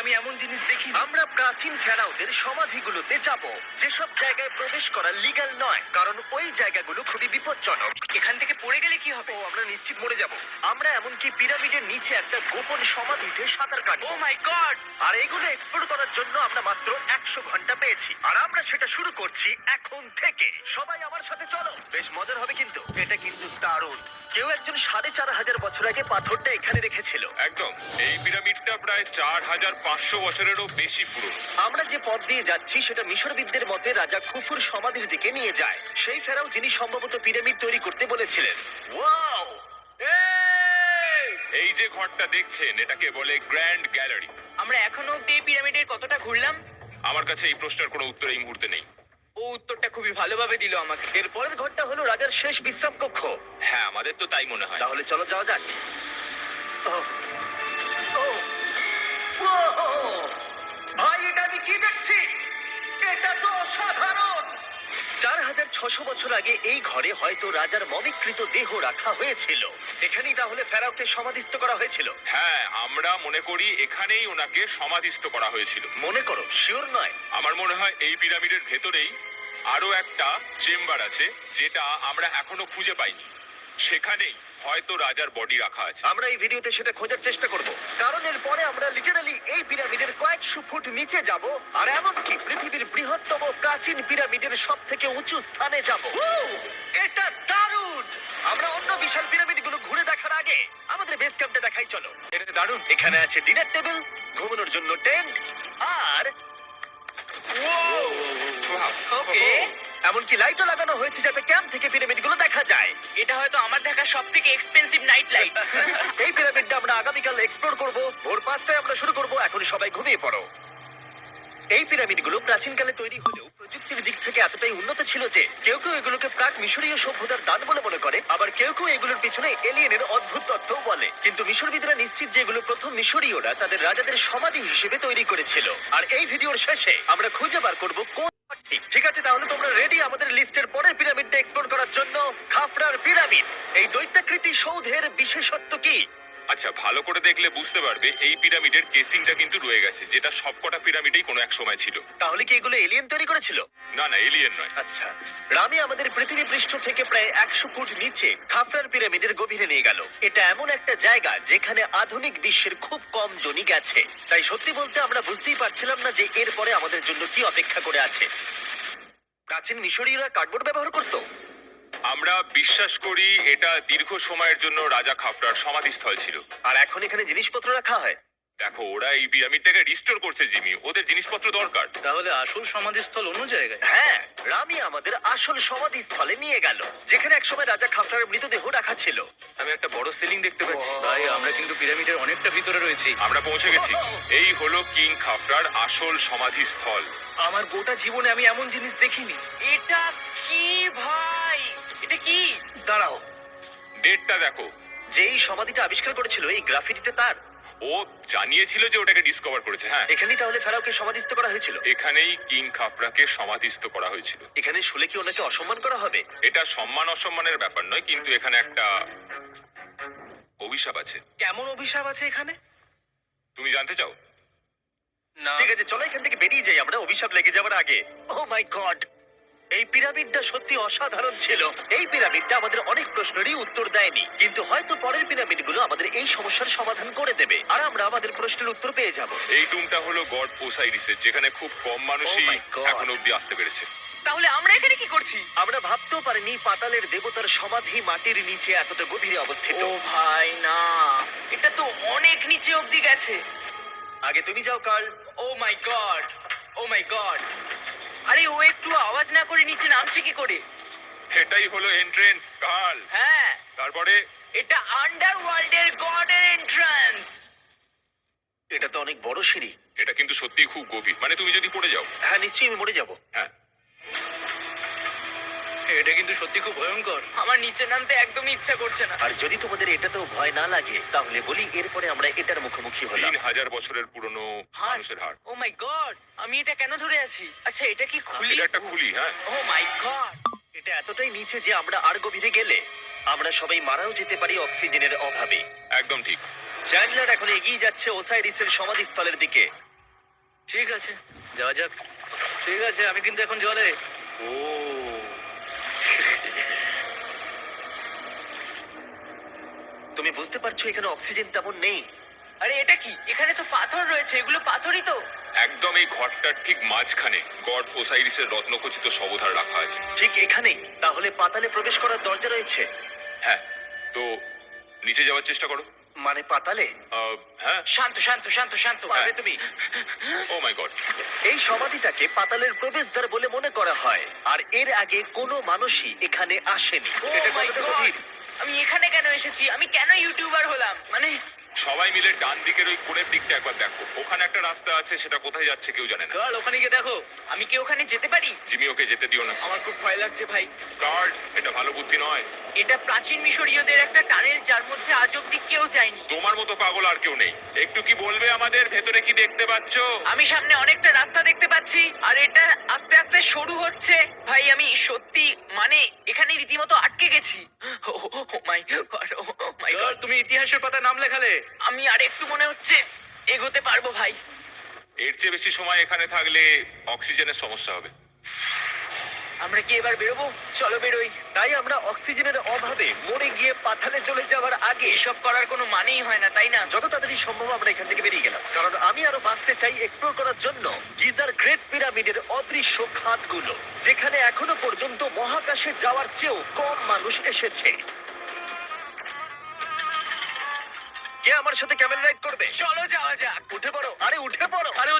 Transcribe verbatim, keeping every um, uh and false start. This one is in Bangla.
আমি এমন জিনিস দেখিনি। আমরা প্রাচীন ফেরাওদের সমাধিগুলোতে যাব, যেসব জায়গায় প্রবেশ করা লিগ্যাল নয়, কারণ ওই জায়গাগুলো খুবই বিপজ্জনক। এখান থেকে পড়ে গেলে কি হবে? ও, আমরা নিশ্চিত মরে যাব। আমরা এমনকি পিরামিডের নিচে একটা গোপন সমাধিতে সাঁতার ও কাটবো। মাই গড! আর এগুলো এক্সপ্লোর করার জন্য আমরা মাত্র একশো ঘন্টা পেয়েছি, আর আমরা সেটা শুরু করছি এখন থেকে। সবাই আমার সাথে চলো, বেশ মজার হবে কিন্তু। এটা কিন্তু দারুণ। কেউ একজন সাড়ে চার হাজার বছর আগে পাথরটা এখানে রেখেছিল। একদম। এই পিরামিডটা প্রায় চার হাজার পাঁচশো বছরেরও বেশি পুরনো। আমরা যে পথ দিয়ে যাচ্ছি সেটা মিশরবিদদের মতে রাজা খুফুর সমাধির দিকে নিয়ে যায়, সেই ফেরাও যিনি সম্ভবত পিরামিড তৈরি করতে বলেছিলেন। ওয়াও! এই যে ঘরটা দেখছেন এটাকে বলে গ্র্যান্ড গ্যালারি। আমরা এখনো অব্দি এই পিরামিডের কতটা ঘুরলাম? আমার কাছে এই প্রশ্নের কোনো উত্তর এই মুহূর্তে নেই। ও উত্তরটা খুবই ভালোভাবে দিল আমাকে। এর পরের ঘরটা হলো রাজার শেষ বিশ্রাম কক্ষ। হ্যাঁ, আমাদের তো তাই মনে হয়। তাহলে চলো যাওয়া যাক। ওহ, ওহ, ওহ! ভাই, এটা আমি কি দেখছি? এটা তো অসাধারণ! চার হাজার ছশো বছর আগে এই ঘরে হয়তো রাজার মমিকৃত দেহ রাখা হয়েছিল। এখানেই তাহলে ফেরাওকে সমাধিস্থ করা হয়েছিল। হ্যাঁ, আমরা মনে করি এখানেই ওনাকে সমাধিস্থ করা হয়েছিল। মনে করো, শিওর নয়। আমার মনে হয় এই পিরামিডের ভেতরেই আরো একটা চেম্বার আছে যেটা আমরা এখনো খুঁজে পাইনি। সেখানেই হয়তো রাজার বডি রাখা আছে। আমরা এই ভিডিওতে সেটা খোঁজার চেষ্টা করব, কারণ এর পরে আমরা লিটারালি এই পিরামিডের কয়েকশো ফুট নিচে যাব, আর এমনকি পৃথিবীর বৃহত্তম প্রাচীন পিরামিডের সব থেকে উঁচু স্থানে যাব। এটা দারুণ! আমরা অন্য বিশাল পিরামিডগুলো ঘুরে দেখার আগে আমাদের বেস ক্যাম্পটা দেখাই চলো। এটা দারুণ। এখানে আছে ডিনার টেবিল, ঘুমানোর জন্য টেন্ট, আর ওকে, এমনকি লাইটও লাগানো হয়েছে যাতে ক্যাম্প থেকে পিরামিডগুলো দেখা যায়। এটা হয়তো আমার দেখা সব থেকে এক্সপেন্সিভ নাইট লাইট। এই পিরামিডটা আমরা আগামীকাল এক্সপ্লোর করব। ভোর পাঁচটায় আমরা শুরু করব। এখন সবাই ঘুমিয়ে পড়ো। এই পিরামিডগুলো প্রাচীনকালে তৈরি হলেও প্রযুক্তির দিক থেকে এতটাই উন্নত ছিল যে কেউ কেউ এগুলোকে প্রাক মিশরীয় সভ্যতার দান বলে মনে করে, আবার কেউ কেউ এগুলোর পিছনে এলিয়েনের অদ্ভুত তথ্যও বলে। কিন্তু মিশরবিদরা নিশ্চিত যে এগুলো প্রথম মিশরীয়রা তাদের রাজাদের সমাধি হিসেবে তৈরি করেছিল। আর এই ভিডিওর শেষে আমরা খুঁজে বার করব কোন ঠিক। ঠিক আছে, তাহলে তোমরা রেডি আমাদের লিস্টের পরের পিরামিডটা এক্সপ্লোর করার জন্য? খাফরার পিরামিড। এই দৈত্যাকৃতি সৌধের বিশেষত্ব কি? আচ্ছা, ভালো করে দেখলে বুঝতে পারবে এই পিরামিডের কেসিংটা কিন্তু রয়ে গেছে, যেটা সবকটা পিরামিডেই কোনো এক সময় ছিল। তাহলে কি এগুলো এলিয়েন তৈরি করেছিল? না না, এলিয়েন নয়। আচ্ছা, রামি আমাদের পৃথিবী পৃষ্ঠ থেকে প্রায় একশো ফুট নিচে খাফরার পিরামিডের গভীরে নিয়ে গেল। এটা এমন একটা জায়গা যেখানে আধুনিক বিশ্বের খুব কম জনই গেছে। তাই সত্যি বলতে আমরা বুঝতেই পারছিলাম না যে এরপরে আমাদের জন্য কি অপেক্ষা করে আছে। প্রাচীন মিশরীয়রা কার্ডবোর্ড ব্যবহার করতো। আমরা বিশ্বাস করি এটা দীর্ঘ সময়ের জন্য রাজা খাফরার সমাধিস্থল ছিল। আর এখন এখানে জিনিসপত্র রাখা হয়। দেখো, ওরা এই পিরামিডটাকে রিস্টোর করছে জিমি, ওদের জিনিসপত্র দরকার। তাহলে আসল সমাধিস্থল অন্য জায়গায়। হ্যাঁ, রামি আমাদের আসল সমাধিস্থলে নিয়ে গেল, যেখানে একসময় রাজা খাফরার মৃতদেহ রাখা ছিল। আমি একটা বড় সিলিং দেখতে পাচ্ছি। ভাই, আমরা কিন্তু পিরামিডের অনেকটা ভিতরে রয়েছি। আমরা পৌঁছে গেছি। এই হলো কিং খাফরার আসল সমাধিস্থল। আমার গোটা জীবনে আমি এমন জিনিস দেখিনি। এটা কি ভাই? এটা কি? দাঁড়াও, ডেটটা দেখো। যেই সমাধিটা আবিষ্কার করেছিল এই গ্রাফিটিটা তার। ও জানিয়েছিল যে ওটাকে ডিসকভার করেছে। হ্যাঁ, এখানেই তাহলে ফেরাওকে সমাধিস্থ করা হয়েছিল। এখানেই কিং খাফরাকে সমাধিস্থ করা হয়েছিল। এখানে শুলে কি ওনাকে অসম্মান করা হবে? এটা সম্মান অসম্মানের ব্যাপার নয়, কিন্তু এখানে একটা অভিশাপ আছে। কেমন অভিশাপ আছে এখানে? তুমি জানতে চাও? না। ঠিক আছে, চলো এখান থেকে বেরিয়ে যাই আমরা অভিশাপ লেগে যাবার আগে। ও মাই গড, এই পিরামিডটা সত্যি অসাধারণ ছিল। এই পিরামিডটা আমাদের অনেক প্রশ্নেরই উত্তর দেয়নি, কিন্তু হয়তো পরের পিরামিডগুলো আমাদের এই সমস্যার সমাধান করে দেবে, আর আমরা আমাদের প্রশ্নের উত্তর পেয়ে যাব। এই টুমটা হলো গড ওসাইরিসের, যেখানে খুব কম মানুষই Oh my God! এখন অব্দি আসতে পেরেছে। তাহলে আমরা এখানে কি করছি? আমরা ভাবতেও পারিনি পাতালের দেবতার সমাধি মাটির নিচে এতটা গভীরে অবস্থিত। ও ভাই না, এটা তো অনেক নিচে অব্দি গেছে। আগে তুমি যাও Carl. Oh my god, oh my god! আরে ও একটু আওয়াজ না করে নিচে নামছে কি করে? এটাই হলো এন্ট্রেন্স, কার্ল। হ্যাঁ, তারপরে এটা আন্ডারওয়ার্ল্ডের গডের এন্ট্রান্স। এটা তো অনেক বড় সিঁড়ি। এটা কিন্তু সত্যিই খুব গভীর, মানে তুমি যদি পড়ে যাও। হ্যাঁ, নিশ্চয়ই আমি মরে যাব। হ্যাঁ, এটা কিন্তু সত্যি খুব ভয়ঙ্কর। আমার নিচে নামতে একদমই ইচ্ছা করছে না। আর যদি তোমাদের এটাতেও ভয় না লাগে তাহলে বলি এরপরে আমরা এটার মুখোমুখি হলাম। তিন হাজার বছরের পুরনো হার্ট, মানুষের হাড়। Oh my god! আমি এটা কেন ধরে আছি? আচ্ছা, এটা কি খুলি? এটা একটা খুলি। হ্যাঁ, ও মাই গড! এটা এতটাই নিচে যে আমরা আর গভীরে গেলে আমরা সবাই মারাও যেতে পারি অক্সিজেনের অভাবে। একদম ঠিক। চ্যান্ডলার এখন এগিয়ে যাচ্ছে ওসাইরিসের সমাধিস্থলের দিকে। ঠিক আছে, যাওয়া যাক। ঠিক আছে, আমি কিন্তু এখন জলে। ও তুমি বুঝতে পারছো এখানে অক্সিজেন তেমন নেই। আরে এটা কি? এখানে তো পাথর রয়েছে, এগুলো পাথরই তো। একদম এই ঘরটার ঠিক মাঝখানে গড ওসাইরিসের রত্নখচিত শবধার রাখা আছে। ঠিক এখানেই তাহলে পাতালে প্রবেশ করার দরজা রয়েছে? হ্যাঁ, তো নিচে যাওয়ার চেষ্টা করো। মানে পাতালে? আহ, হ্যাঁ। শান্ত শান্ত শান্ত শান্ত। পারবে তুমি? Oh my god. এই সমাধিটাকে পাতালের প্রবেশদ্বার বলে মনে করা হয়, আর এর আগে কোনো মানুষই এখানে আসেনি। Oh এটা my কতটা God! গভীর? আমি এখানে কেন এসেছি? আমি কেন ইউটিউবার হলাম? মানে সবাই মিলে ডান দিকের ওই কোণের দিকটা একবার দেখো। ওখানে একটা রাস্তা আছে, সেটা কোথায় যাচ্ছে কেউ জানে না। কাল ওখানে গিয়ে দেখো। আমি কি ওখানে যেতে পারি? জিমি, ওকে যেতে দিও না। আমার খুব ভয় লাগছে ভাই। গার্ড, এটা ভালো বুদ্ধি নয়। এটা প্রাচীন মিশরীয়দের একটা টানেল যার মধ্যে আজ অব্দি কেউ যায়নি। তোমার মতো পাগল আর কেউ নেই। একটু কি বলবে আমাদের ভেতরে কি দেখতে পাচ্ছো? আমি সামনে অনেকটা রাস্তা দেখতে পাচ্ছি, আর এটা আস্তে আস্তে সরু হচ্ছে। ভাই আমি সত্যি মানে এখানে রীতিমতো আটকে গেছি। ও মাই গড, ও মাই কাল, গড। তুমি ইতিহাসের পাতায় নাম লেখালে। আমি আর একটু মনে হচ্ছে এগোতে পারবো ভাই। এর চেয়ে বেশি সময় এখানে থাকলে অক্সিজেনের সমস্যা হবে। আমরা কি এবার বেরোবো? চলো বেরোই। তাই আমরা অক্সিজেনের অভাবে মরে গিয়ে পাতালে চলে যাওয়ার আগে এসব করার কোনো মানেই হয় না, তাই না? যত তাড়াতাড়ি সম্ভব আমরা এখান থেকে বেরিয়ে গেলাম, কারণ আমি আরো বাঁচতে চাই এক্সপ্লোর করার জন্য গিজার গ্রেট পিরামিডের অদৃশ্য খাতগুলো, যেখানে এখনো পর্যন্ত মহাকাশে যাওয়ার চেয়েও কম মানুষ এসেছে। কে আমার সাথে ক্যামেল রাইড করবে? চলো যাওয়া যাক। উঠে পড়ো, আরে উঠে পড়ো। আরে ও